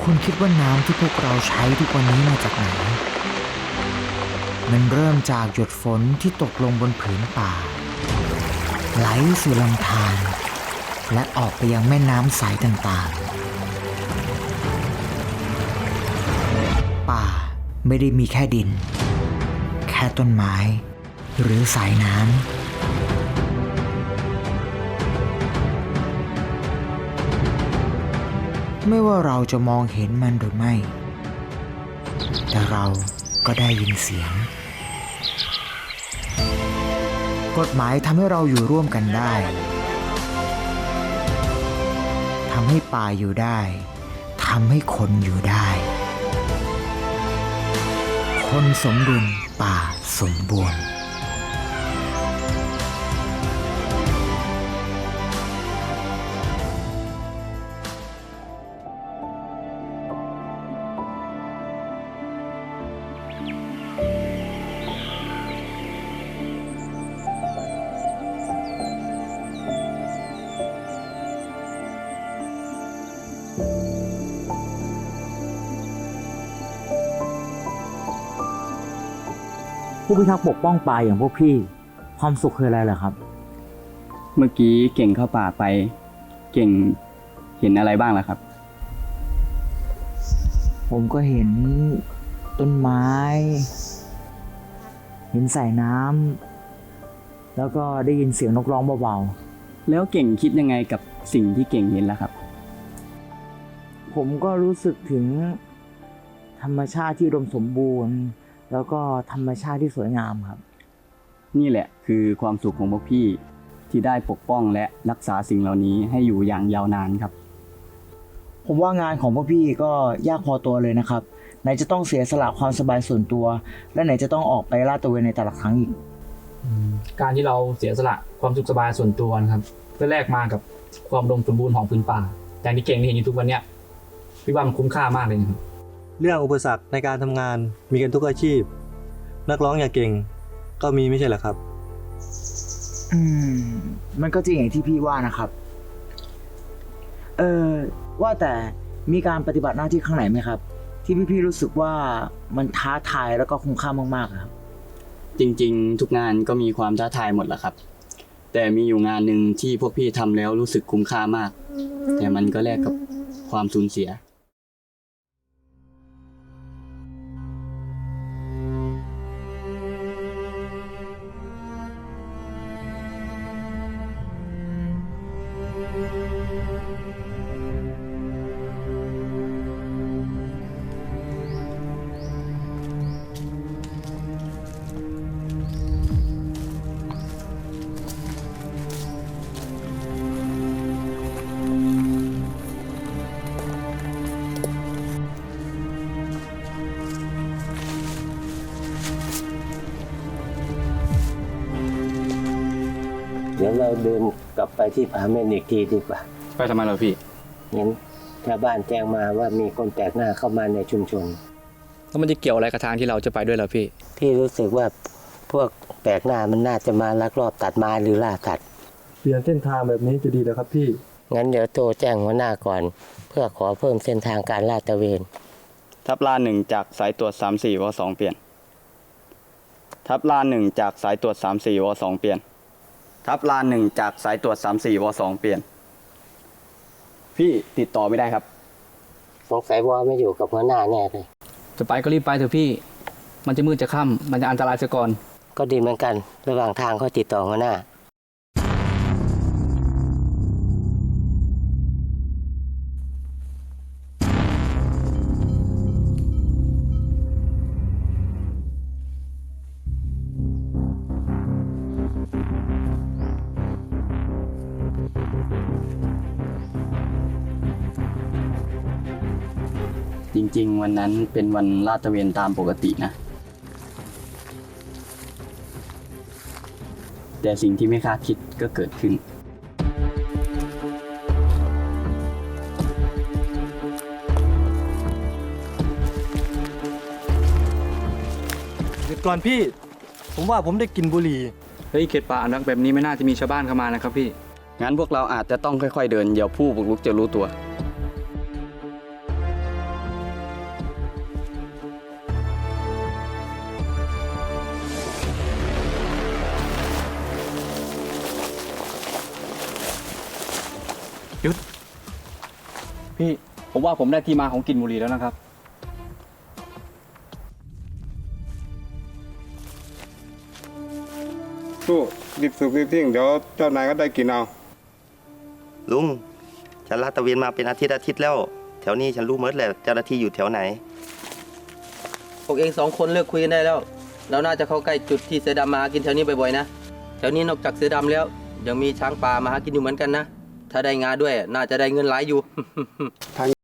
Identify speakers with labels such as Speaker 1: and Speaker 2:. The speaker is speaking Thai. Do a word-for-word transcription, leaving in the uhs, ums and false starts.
Speaker 1: คุณคิดว่าน้ำที่พวกเราใช้ทุกวันนี้มาจากไหนมันเริ่มจากหยดฝนที่ตกลงบนผืนป่าไหลสู่ลำธารและออกไปยังแม่น้ำสายต่างๆป่าไม่ได้มีแค่ดินแค่ต้นไม้หรือสายน้ำไม่ว่าเราจะมองเห็นมันหรือไม่แต่เราก็ได้ยินเสียงกฎหมายทำให้เราอยู่ร่วมกันได้ทำให้ป่าอยู่ได้ทำให้คนอยู่ได้คนสมดุลป่าสมบูรณ์
Speaker 2: ผู้พิทักษ์ปกป้องป่าอย่างพวกพี่ความสุขคืออะไรเหรอครับ
Speaker 3: เมื่อกี้เก่งเข้าป่าไปเก่งเห็นอะไรบ้างล่ะครับ
Speaker 2: ผมก็เห็นต้นไม้เห็นสายน้ำแล้วก็ได้ยินเสียงนกร้องเบา
Speaker 3: ๆแล้วเก่งคิดยังไงกับสิ่งที่เก่งเห็นล่ะครับ
Speaker 2: ผมก็รู้สึกถึงธรรมชาติที่อุดมสมบูรณ์แล้วก็ธรรมชาติที่สวยงามครับ
Speaker 3: นี่แหละคือความสุขของพวกพี่ที่ได้ปกป้องและรักษาสิ่งเหล่านี้ให้อยู่อย่างยาวนานครับ
Speaker 2: ผมว่างานของพวกพี่ก็ยากพอตัวเลยนะครับไหนจะต้องเสียสละความสบายส่วนตัวและไหนจะต้องออกไปลาดตระเวนในแต่ละครั้งอีก
Speaker 4: การที่เราเสียสละความสุขสบายส่วนตัวนะครับเพื่อแลกมากับความอุดมสมบูรณ์ของพื้นป่าอย่างที่เก่งที่เห็นอยู่ทุกวันนี้พี่ว่ามันคุ้มค่ามากเลยนะครับ
Speaker 5: เรื่องอุปสรรคในการทำงานมีกันทุกอาชีพนักร้องอย่างเก่งก็มีไม่ใช่เหรอครับ
Speaker 2: อืมมันก็จริงอย่างที่พี่ว่านะครับเออว่าแต่มีการปฏิบัติหน้าที่ข้างไหนไหมครับที่พี่ๆรู้สึกว่ามันท้าทายแล้วก็คุ้มค่ามากๆครับ
Speaker 3: จริงๆทุกงานก็มีความท้าทายหมดแหละครับแต่มีอยู่งานหนึ่งที่พวกพี่ทำแล้วรู้สึกคุ้มค่ามากแต่มันก็แลกกับความสูญเสีย
Speaker 6: เดี๋ยวเราเดินกลับไปที่ผาเม่นอีกทีดีกว่า
Speaker 3: ไปทำไมเราพี่
Speaker 6: เห็นชาวบ้านแจ้งมาว่ามีคนแปลกหน้าเข้ามาในชุมชน
Speaker 3: แล้วมันจะเกี่ยวอะไรกับทางที่เราจะไปด้วยเหรอพี่
Speaker 6: พี่รู้สึกว่าพวกแปลกหน้ามันน่าจะมาลักลอบตัดไม้หรือล่าสัตว์
Speaker 5: เปลี่ยนเส้นทางแบบนี้จะดีแล้วครับพี่
Speaker 6: งั้นเดี๋ยวโทรแจ้งหัวหน้าก่อนเพื่อขอเพิ่มเส้นทางการลาดตระเวน
Speaker 3: ทับลานหนึ่งจากสายตรวจสามสี่วสองเปลี่ยนทับลานหนึ่งจากสายตรวจสามสี่วสองเปลี่ยนทับลานหนึ่งจากสายตรวจสามสี่วสองเปลี่ยนพี่ติดต่อไม่ได้ครับ
Speaker 6: สงสัยวอไม่อยู่กับหัวหน้าแน่เลย
Speaker 4: จะไปก็รีบไปเถอะพี่มันจะมืดจะค่ำมันจะอันตรายซะก่อน
Speaker 6: ก็ดีเหมือนกันระหว่างทางเขาติดต่อหัวหน้า
Speaker 3: จริงๆวันนั้นเป็นวันลาดตระเวนตามปกตินะแต่สิ่งที่ไม่คาดคิดก็เกิดขึ้น
Speaker 5: หยุดก่อนพี่ผมว่าผมได้กลิ่นบุหรี่
Speaker 4: เฮ้ยเขตป่าอนุรักษ์แบบนี้ไม่น่าจะมีชาวบ้านเข้ามานะครับพี่
Speaker 3: งั้นพวกเราอาจจะต้องค่อยๆเดินเดี๋ยวผู้บุกรุกจะรู้ตัว
Speaker 4: หยุด พี่ ผมว่าผมได้ที่มาของกลิ่นบุหรี่แล้วนะครับ
Speaker 7: สู้รีบสูบรีบทิ้งเดี๋ยวเจ้านายก็ได้กินเอา
Speaker 8: ลุง ฉันลาดตระเวนมาเป็นอาทิตย์อาทิตย์แล้ว แถวนี้ฉันรู้หมดแหละเจ้าหน้าที่อยู่แถวไหน
Speaker 6: พวกเองสองคนเลิกคุยกันได้แล้ว เราน่าจะเข้าใกล้จุดที่เสือดำมาหากินแถวนี้บ่อยๆนะ แถวนี้นอกจากเสือดำแล้วยังมีช้างป่ามาหากินอยู่เหมือนกันนะ ถ้าได้งาด้วยน่าจะได้เงินหลายอยู่